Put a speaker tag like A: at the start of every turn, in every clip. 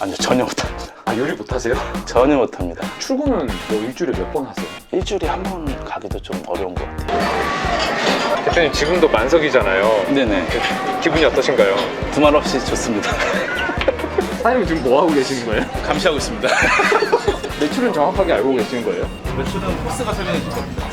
A: 아니요, 전혀 못합니다.
B: 아, 요리 못하세요?
A: 전혀 못합니다.
B: 출근은 뭐 일주일에 몇 번 하세요?
A: 일주일에 한 번 가기도 좀 어려운 것 같아요.
B: 대표님 지금도 만석이잖아요.
A: 네네.
B: 기분이 어떠신가요?
A: 두말 없이 좋습니다.
B: 사장님 지금 뭐 하고 계시는 거예요?
A: 감시하고 있습니다.
B: 매출은 정확하게 알고 계시는 거예요?
A: 매출은 포스가 설명해 줄 겁니다.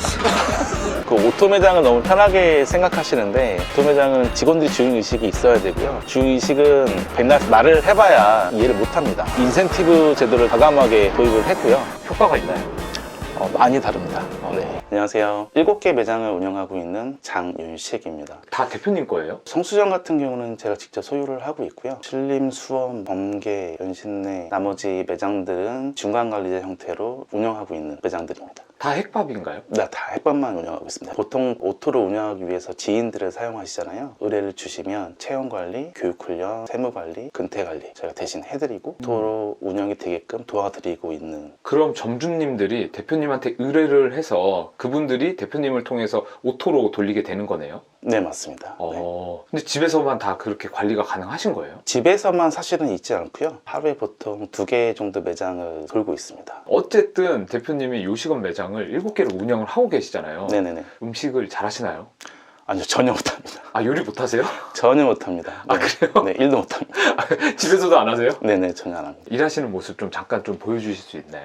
A: 그 오토 매장을 너무 편하게 생각하시는데, 오토 매장은 직원들이 주인의식이 있어야 되고요. 주인의식은 백날 말을 해봐야 이해를 못합니다. 인센티브 제도를 과감하게 도입을 했고요.
B: 효과가 있나요?
A: 많이 다릅니다. 네. 안녕하세요. 7개 매장을 운영하고 있는 장윤식입니다.
B: 다 대표님 거예요?
A: 성수점 같은 경우는 제가 직접 소유를 하고 있고요. 신림, 수원, 범계, 연신내 나머지 매장들은 중간관리자 형태로 운영하고 있는 매장들입니다.
B: 다 핵밥인가요?
A: 네, 다 햇반만 운영하고 있습니다. 보통 오토를 운영하기 위해서 지인들을 사용하시잖아요. 의뢰를 주시면 채용관리, 교육훈련, 세무관리, 근태관리 제가 대신 해드리고 오토로 운영이 되게끔 도와드리고 있는.
B: 그럼 점주님들이 대표님한테 의뢰를 해서 그분들이 대표님을 통해서 오토로 돌리게 되는 거네요?
A: 네, 맞습니다. 네.
B: 근데 집에서만 다 그렇게 관리가 가능하신 거예요?
A: 집에서만 사실은 있지 않고요. 하루에 보통 2개 정도 매장을 돌고 있습니다.
B: 어쨌든 대표님이 요식업 매장을 7개를 운영을 하고 계시잖아요.
A: 네네네.
B: 음식을 잘 하시나요?
A: 아니요, 전혀 못합니다.
B: 아, 요리 못하세요?
A: 전혀 못합니다.
B: 아,
A: 네.
B: 그래요?
A: 네, 일도 못합니다.
B: 집에서도 안 하세요?
A: 네네, 전혀 안 합니다.
B: 일하시는 모습 좀 잠깐 좀 보여주실 수 있나요?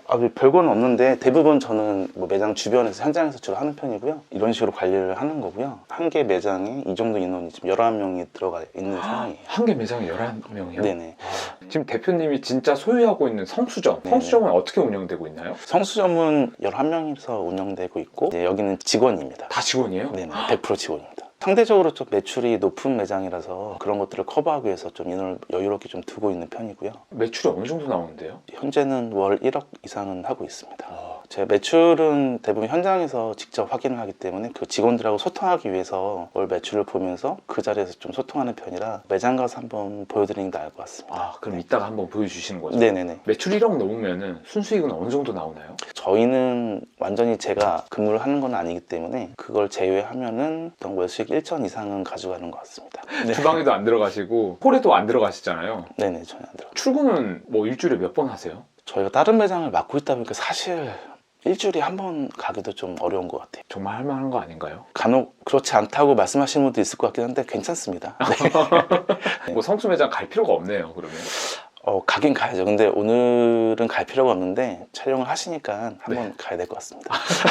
A: 별건 없는데 대부분 저는 뭐 매장 주변에서 현장에서 주로 하는 편이고요. 이런 식으로 관리를 하는 거고요. 한 개 매장에 이 정도 인원이 지금 11명이 들어가 있는 상황이에요.
B: 한 개 매장에 11명이요?
A: 네네.
B: 지금 대표님이 진짜 소유하고 있는 성수점,
A: 네네.
B: 성수점은 어떻게 운영되고 있나요?
A: 성수점은 11명이서 운영되고 있고, 이제 여기는 직원입니다.
B: 다 직원이에요?
A: 네네, 100% 직원입니다. 상대적으로 좀 매출이 높은 매장이라서 그런 것들을 커버하기 위해서 좀 인원을 여유롭게 좀 두고 있는 편이고요.
B: 매출이 어느 정도 나오는데요?
A: 현재는 월 1억 이상은 하고 있습니다. 제 매출은 대부분 현장에서 직접 확인을 하기 때문에 그 직원들하고 소통하기 위해서 월 매출을 보면서 그 자리에서 좀 소통하는 편이라 매장 가서 한번 보여드리는 게 나을 것 같습니다.
B: 아, 그럼 이따가 한번 보여주시는 거죠?
A: 네네네.
B: 매출 1억 넘으면 순수익은 어느 정도 나오나요?
A: 저희는 완전히 제가 근무를 하는 건 아니기 때문에 그걸 제외하면은 어떤 월수익 1천 이상은 가져가는 것 같습니다. 네.
B: 주방에도 안 들어가시고 홀에도 안 들어가시잖아요.
A: 네네, 전혀 안 들어가요.
B: 출근은 뭐 일주일에 몇 번 하세요?
A: 저희가 다른 매장을 맡고 있다 보니까 사실 일주일에 한 번 가기도 좀 어려운 것 같아요.
B: 정말 할 만한 거 아닌가요?
A: 간혹 그렇지 않다고 말씀하시는 분도 있을 것 같긴 한데 괜찮습니다. 네.
B: 뭐 성수 매장 갈 필요가 없네요, 그러면.
A: 가긴 가야죠. 근데 오늘은 갈 필요가 없는데 촬영을 하시니까 한번 가야 될 것 같습니다.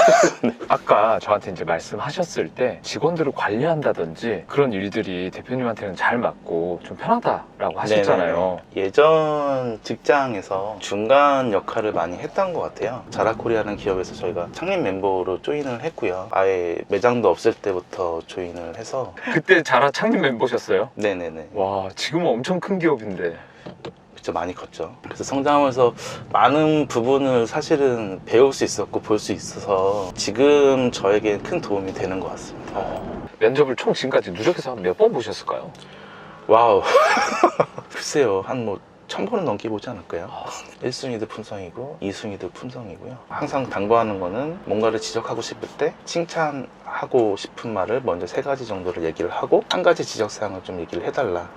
B: 아까 저한테 이제 말씀하셨을 때 직원들을 관리한다든지 그런 일들이 대표님한테는 잘 맞고 좀 편하다라고 하셨잖아요.
A: 네네. 예전 직장에서 중간 역할을 많이 했던 것 같아요. 자라코리아라는 기업에서 저희가 창립 멤버로 조인을 했고요. 아예 매장도 없을 때부터 조인을 해서.
B: 그때 자라 창립 멤버셨어요?
A: 네네네.
B: 와, 지금은 엄청 큰 기업인데.
A: 진짜 많이 컸죠. 그래서 성장하면서 많은 부분을 사실은 배울 수 있었고 볼 수 있어서 지금 저에게 큰 도움이 되는 것 같습니다.
B: 면접을 총 지금까지 누적해서 한 몇 번 보셨을까요?
A: 와우. 글쎄요, 한 1000번은 넘게 보지 않을까요? 1순위도 품성이고 2순위도 품성이고요. 항상 당부하는 거는 뭔가를 지적하고 싶을 때 칭찬하고 싶은 말을 먼저 3가지 정도를 얘기를 하고 한 가지 지적사항을 좀 얘기를 해달라.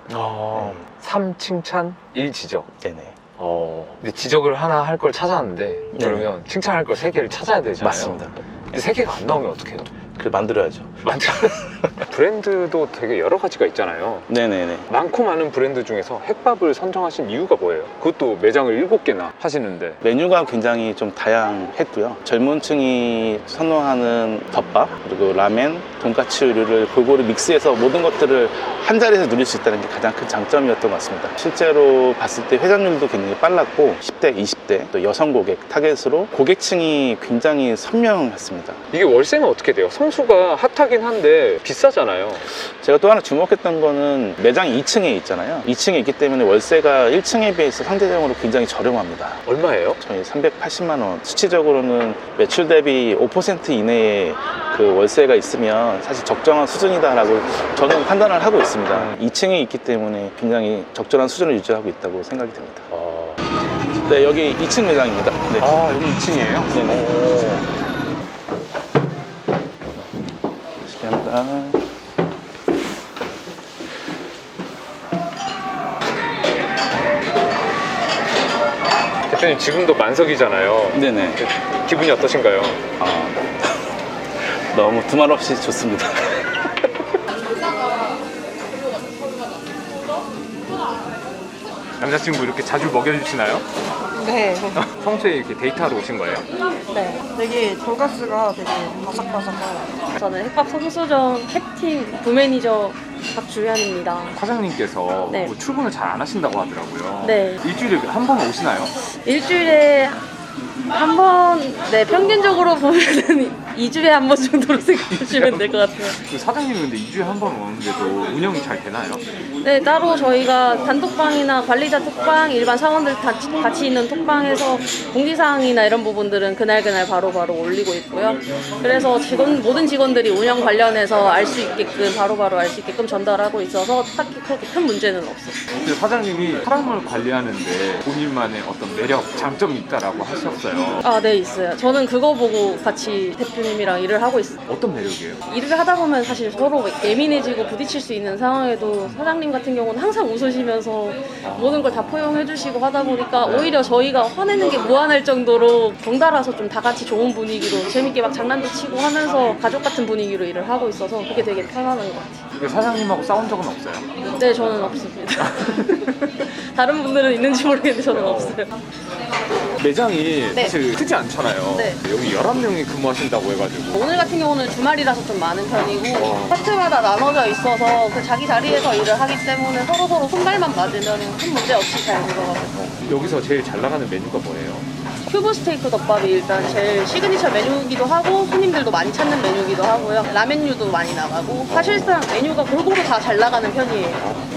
B: 3 칭찬, 1 지적.
A: 네네.
B: 근데 지적을 하나 할 걸 찾았는데 그러면 칭찬할 걸 3개를 찾아야 되잖아요.
A: 맞습니다.
B: 근데 3개가 안 나오면 어떡해요?
A: 그걸 만들어야죠.
B: 맞죠? 브랜드도 되게 여러 가지가 있잖아요.
A: 네네네.
B: 많고 많은 브랜드 중에서 핵밥을 선정하신 이유가 뭐예요? 그것도 매장을 7개나 하시는데.
A: 메뉴가 굉장히 좀 다양했고요. 젊은 층이 선호하는 덮밥, 그리고 라멘, 돈까츠류를 골고루 믹스해서 모든 것들을 한 자리에서 누릴 수 있다는 게 가장 큰 장점이었던 것 같습니다. 실제로 봤을 때 회전율도 굉장히 빨랐고 10대, 20대 또 여성 고객 타겟으로 고객층이 굉장히 선명했습니다.
B: 이게 월세는 어떻게 돼요? 성수가 핫하긴 한데 비싸잖아요.
A: 제가 또 하나 주목했던 거는 매장이 2층에 있잖아요. 2층에 있기 때문에 월세가 1층에 비해서 상대적으로 굉장히 저렴합니다.
B: 얼마예요?
A: 저희 380만 원. 수치적으로는 매출 대비 5% 이내에 그 월세가 있으면 사실 적정한 수준이다라고 저는 판단을 하고 있습니다. 2층에 있기 때문에 굉장히 적절한 수준을 유지하고 있다고 생각이 듭니다. 네, 여기 2층 매장입니다. 네.
B: 아, 여기 2층이에요?
A: 네네. 감사합니다.
B: 대표님 지금도 만석이잖아요.
A: 네네.
B: 기분이 어떠신가요?
A: 너무 두말 없이 좋습니다.
B: 남자친구 이렇게 자주 먹여주시나요?
C: 네.
B: 평소에 이렇게 데이트하러 오신 거예요?
C: 네. 되게 돈가스가 되게 바삭바삭하고.
D: 저는 햇밥 성수점 캡틴 부매니저 박주현입니다.
B: 사장님께서
D: 네.
B: 뭐 출근을 잘 안 하신다고 하더라고요.
D: 네.
B: 일주일에 한 번 오시나요?
D: 일주일에 한 번, 네, 평균적으로 보면은 2주에 한 번 정도로 생각하시면 될 것 같아요.
B: 그 사장님은 근데 2주에 한 번 오는데도 운영이 잘 되나요?
D: 네, 따로 저희가 단톡방이나 관리자 톡방, 일반 사원들 같이 있는 톡방에서 공지사항이나 이런 부분들은 그날그날 바로바로 올리고 있고요. 그래서 모든 직원들이 운영 관련해서 알 수 있게끔, 바로바로 알 수 있게끔 전달하고 있어서 딱히 그렇게 큰 문제는 없어요.
B: 근데 사장님이 사람을 관리하는데 본인만의 어떤 매력, 장점이 있다라고 하셨어요.
D: 아, 네, 있어요. 저는 그거 보고 같이 대표님이랑 일을 하고 있어요.
B: 어떤 매력이에요?
D: 일을 하다 보면 사실 서로 예민해지고 부딪힐 수 있는 상황에도 사장님 같은 경우는 항상 웃으시면서 모든 걸 다 포용해 주시고 하다 보니까 오히려 저희가 화내는 게 무한할 정도로 덩달아서 좀 다 같이 좋은 분위기로 재밌게 막 장난도 치고 하면서 가족 같은 분위기로 일을 하고 있어서 그게 되게 편안한 것 같아요.
B: 근데 사장님하고 싸운 적은 없어요?
D: 네, 저는 없습니다. 다른 분들은 있는지 모르겠는데 저는 없어요.
B: 매장이
D: 네.
B: 사실 크지 않잖아요.
D: 네.
B: 여기 11명이 근무하신다고 해가지고
D: 오늘 같은 경우는 주말이라서 좀 많은 편이고 파트마다 나눠져 있어서 그 자기 자리에서 일을 하기 때문에 서로서로 손발만 맞으면 큰 문제 없이 잘 들어가고
B: 여기서 제일 잘 나가는 메뉴가 뭐예요?
D: 큐브 스테이크 덮밥이 일단 제일 시그니처 메뉴이기도 하고 손님들도 많이 찾는 메뉴이기도 하고요. 라멘류도 많이 나가고 사실상 메뉴가 골고루 다 잘 나가는 편이에요.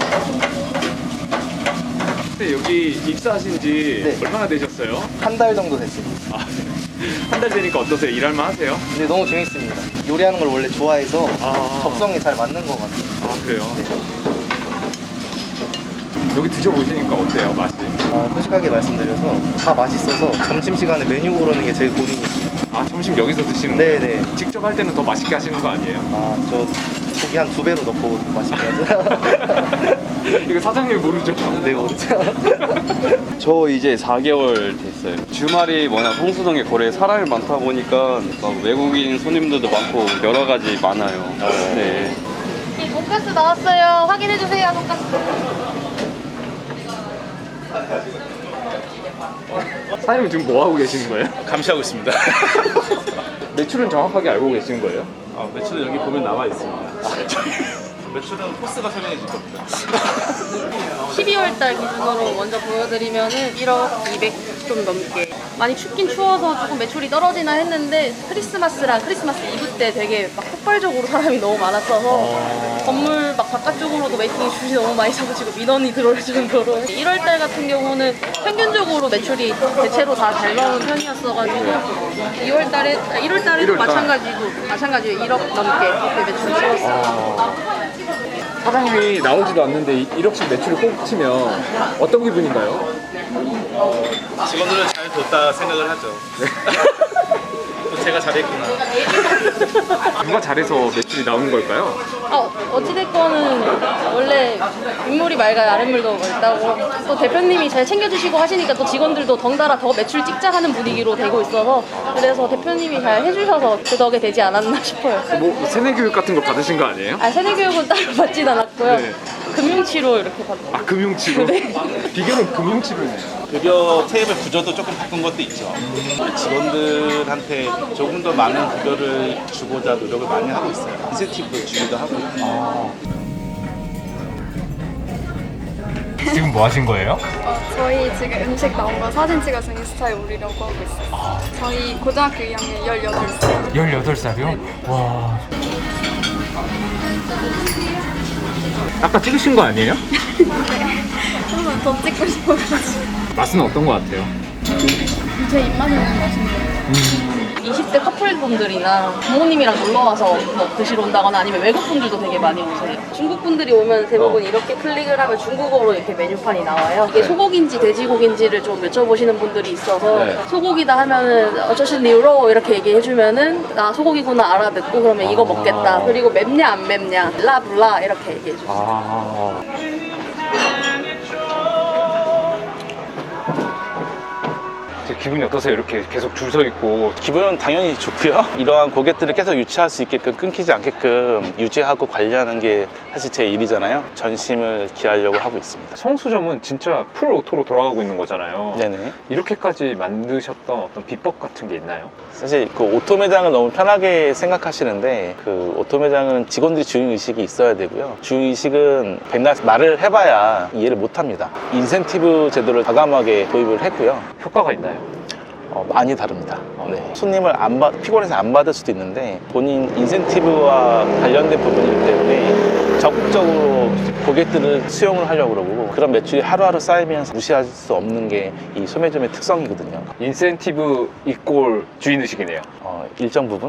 B: 근데 여기 입사하신 지
E: 네.
B: 얼마나 되셨어요?
E: 한 달 정도 됐습니다.
B: 한 달 되니까 어떠세요? 일할만 하세요?
E: 근데 너무 재밌습니다. 요리하는 걸 원래 좋아해서
B: 아.
E: 적성이 잘 맞는 것 같아요.
B: 아 그래요? 여기 드셔보시니까 어때요? 맛이?
E: 솔직하게 말씀드려서 다 맛있어서 점심시간에 메뉴 고르는 게 제일 고민이에요.
B: 아 점심 여기서 드시는 거예요?
E: 네네.
B: 직접 할 때는 더 맛있게 하시는 거 아니에요?
E: 저 고기 한 2배로 넣고 맛있게 하죠.
B: 이거 사장님 모르죠?
E: 네, 모르죠.
F: 저 이제 4개월 됐어요. 주말이 워낙 성수동에 거리에 사람이 많다 보니까 막 외국인 손님들도 많고 여러 가지 많아요. 네.
D: 이 돈가스 나왔어요. 확인해 주세요. 돈가스.
B: 사장님 지금 뭐 하고 계시는 거예요?
A: 감시하고 있습니다.
B: 매출은 정확하게 알고 계시는 거예요?
A: 매출은 여기 보면 나와 있습니다. 매출은 포스가 설명해 줄 겁니다.
D: 12월 달 기준으로 먼저 보여드리면은 1억 200 좀 넘게. 많이 춥긴 추워서 조금 매출이 떨어지나 했는데 크리스마스랑 크리스마스 이브 때 되게 막 폭발적으로 사람이 너무 많았어서 건물 막 바깥쪽으로도 웨이팅 슛이 너무 많이 잡아지고 민원이 들어올 정도로 1월 달 같은 경우는 평균적으로 매출이 대체로 다 잘 나오는 편이었어가지고 1월 달에도 마찬가지로 1억 넘게 그렇게 매출을 찍었어요.
B: 사장님이 나오지도 않는데 1억씩 매출을 꼭 치면 어떤 기분인가요?
A: 직원들은 잘 뒀다 생각을 하죠. 또 제가 잘했구나.
B: 누가 잘해서 매출이 나오는 걸까요?
D: 어찌됐건은 원래 인물이 맑아야 아랫물도 맑다고 또 대표님이 잘 챙겨주시고 하시니까 또 직원들도 덩달아 더 매출 찍자 하는 분위기로 되고 있어서 그래서 대표님이 잘 해주셔서 그 덕에 되지 않았나 싶어요.
B: 뭐 세뇌 교육 같은 거 받으신 거 아니에요?
D: 세뇌교육은 따로 받진 않았고요.
B: 네.
D: 금융치료 이렇게 받고.
B: 아 금융치료?
D: 네.
B: 비결은 금융치료네요.
A: 급여 테이블 구조도 조금 바꾼 것도 있죠. 직원들한테 조금 더 많은 급여를 주고자 노력을 많이 하고 있어요. 인센티브 주기도 하고 있고.
B: 지금 뭐 하신 거예요?
G: 저희 지금 음식 나온 거 사진 찍어서 인스타에 올리려고 하고 있어요. 저희 고등학교 2학년 18살.
B: 18살이요? 와. 아까 찍으신 거 아니에요?
G: 한번 더 찍고 싶어가지고.
B: 맛은 어떤 거 같아요?
G: 제 입맛에는 맛있네요.
D: 20대 커플분들이나 부모님이랑 놀러와서 뭐 드시러 온다거나 아니면 외국분들도 되게 많이 오세요. 중국분들이 오면 대부분 이렇게 클릭을 하면 중국어로 이렇게 메뉴판이 나와요. 이게 소고기인지 돼지고기인지를 좀 여쭤보시는 분들이 있어서 소고기다 하면은 어쩌신 뉴로 이렇게 얘기해주면은 나 소고기구나 알아듣고 그러면 이거 먹겠다. 그리고 맵냐 안 맵냐 라블라 이렇게 얘기해주세요.
B: 제 기분이 어떠세요? 이렇게 계속 줄 서 있고.
A: 기분은 당연히 좋고요. 이러한 고객들을 계속 유치할 수 있게끔, 끊기지 않게끔 유지하고 관리하는 게 사실 제 일이잖아요. 전심을 기하려고 하고 있습니다.
B: 성수점은 진짜 풀 오토로 돌아가고 있는 거잖아요.
A: 네네.
B: 이렇게까지 만드셨던 어떤 비법 같은 게 있나요?
A: 사실 그 오토 매장을 너무 편하게 생각하시는데, 그 오토 매장은 직원들이 주인의식이 있어야 되고요. 주인의식은 백날 말을 해봐야 이해를 못합니다. 인센티브 제도를 과감하게 도입을 했고요.
B: 효과가 있나요?
A: 많이 다릅니다. 네. 손님을 피곤해서 안 받을 수도 있는데, 본인 인센티브와 관련된 부분이기 때문에 적극적으로 고객들을 수용을 하려고 그러고, 그런 매출이 하루하루 쌓이면서 무시할 수 없는 게 이 소매점의 특성이거든요.
B: 인센티브 이꼴 주인의식이네요.
A: 일정 부분?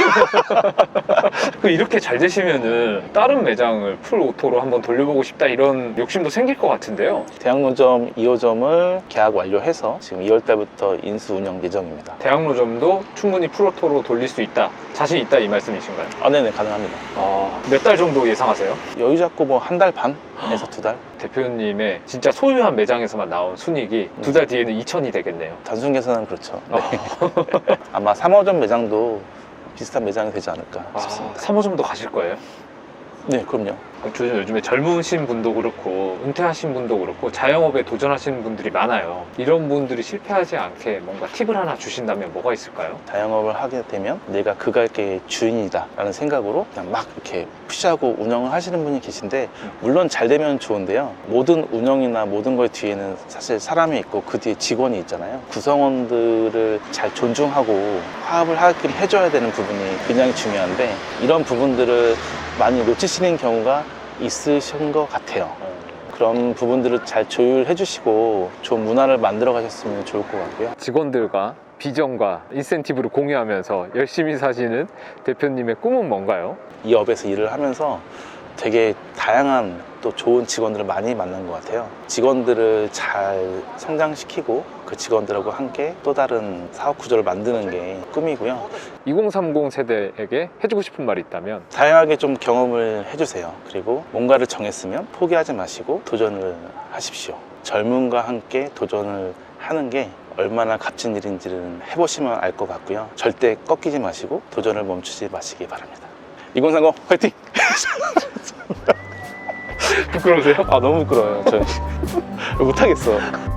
B: 이렇게 잘 되시면은 다른 매장을 풀 오토로 한번 돌려보고 싶다 이런 욕심도 생길 것 같은데요.
A: 대학로점 2호점을 계약 완료해서 지금 2월달부터 인수 운영 예정입니다.
B: 대학로점도 충분히 풀 오토로 돌릴 수 있다, 자신 있다 이 말씀이신가요?
A: 네네, 가능합니다.
B: 몇 달 정도 예상하세요?
A: 여유 잡고 뭐 한 달 반에서 2달?
B: 대표님의 진짜 소유한 매장에서만 나온 순이익이 2달 뒤에는 2천이 되겠네요.
A: 단순 계산은 그렇죠. 네. 아마 3호점 매장도 비슷한 매장이 되지 않을까 싶습니다.
B: 3호점도 가실 거예요?
A: 네, 그럼요.
B: 요즘에 젊으신 분도 그렇고 은퇴하신 분도 그렇고 자영업에 도전하시는 분들이 많아요. 이런 분들이 실패하지 않게 뭔가 팁을 하나 주신다면 뭐가 있을까요?
A: 자영업을 하게 되면 내가 그 가게의 주인이다 라는 생각으로 그냥 막 이렇게 푸시하고 운영을 하시는 분이 계신데, 물론 잘 되면 좋은데요, 모든 운영이나 모든 것 뒤에는 사실 사람이 있고 그 뒤에 직원이 있잖아요. 구성원들을 잘 존중하고 화합을 하게끔 해줘야 되는 부분이 굉장히 중요한데, 이런 부분들을 많이 놓치시는 경우가 있으신 것 같아요. 그런 부분들을 잘 조율해 주시고 좋은 문화를 만들어 가셨으면 좋을 것 같고요.
B: 직원들과 비전과 인센티브를 공유하면서 열심히 사시는 대표님의 꿈은 뭔가요?
A: 이 업에서 일을 하면서 되게 다양한 또 좋은 직원들을 많이 만난 것 같아요. 직원들을 잘 성장시키고 그 직원들하고 함께 또 다른 사업 구조를 만드는 게 꿈이고요.
B: 2030 세대에게 해주고 싶은 말이 있다면?
A: 다양하게 좀 경험을 해주세요. 그리고 뭔가를 정했으면 포기하지 마시고 도전을 하십시오. 젊음과 함께 도전을 하는 게 얼마나 값진 일인지는 해보시면 알 것 같고요. 절대 꺾이지 마시고 도전을 멈추지 마시기 바랍니다. 2030 화이팅!
B: 부끄러우세요?
A: 너무 부끄러워요. 저 못하겠어.